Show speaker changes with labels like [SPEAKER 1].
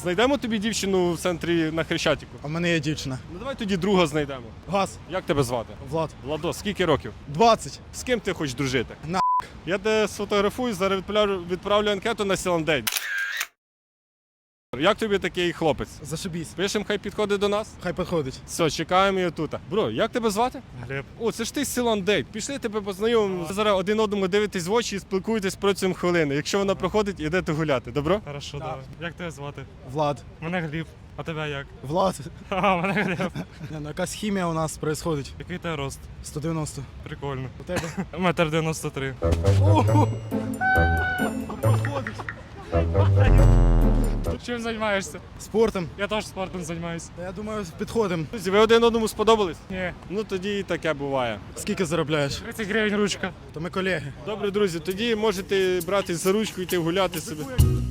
[SPEAKER 1] Знайдемо тобі дівчину в центрі на Хрещатику?
[SPEAKER 2] А в мене є дівчина.
[SPEAKER 1] Ну давай тоді друга знайдемо.
[SPEAKER 2] Газ.
[SPEAKER 1] Як тебе звати?
[SPEAKER 2] Влад.
[SPEAKER 1] Владос, скільки років?
[SPEAKER 2] 20.
[SPEAKER 1] З ким ти хочеш дружити?
[SPEAKER 2] На.
[SPEAKER 1] Я тебе сфотографую, зараз відправлю анкету на Сіландей. Як тобі такий хлопець?
[SPEAKER 2] Зашибісь.
[SPEAKER 1] Пишемо, хай підходить до нас?
[SPEAKER 2] Хай підходить.
[SPEAKER 1] Все, чекаємо її тут. Бро, як тебе звати?
[SPEAKER 3] Глеб.
[SPEAKER 1] О, це ж ти з Сіландей. Пішли тебе познайомимо. Ви зараз один одному дивитесь в очі і спілкуєтесь протягом хвилини. Якщо вона проходить, ідете гуляти. Добро?
[SPEAKER 3] Хорошо, давай. Як тебе звати?
[SPEAKER 2] Влад.
[SPEAKER 3] Мене Гліб. А тебе як?
[SPEAKER 2] Влад.
[SPEAKER 3] А, мене Глеб.
[SPEAKER 2] Якась хімія у нас відбувається.
[SPEAKER 3] Який тебе рост?
[SPEAKER 2] 190.
[SPEAKER 3] Прикольно.
[SPEAKER 2] У тебе?
[SPEAKER 3] 1,93 м.
[SPEAKER 2] Проходить.
[SPEAKER 3] Чим займаєшся?
[SPEAKER 2] Спортом.
[SPEAKER 3] Я теж спортом займаюся.
[SPEAKER 2] Та я думаю, підходимо.
[SPEAKER 1] Друзі, ви один одному сподобались?
[SPEAKER 3] Ні.
[SPEAKER 1] Ну тоді і таке буває.
[SPEAKER 2] Скільки заробляєш?
[SPEAKER 3] 30 гривень ручка.
[SPEAKER 2] То ми колеги.
[SPEAKER 1] Добре, друзі, тоді можете братись за ручку і йти гуляти собі.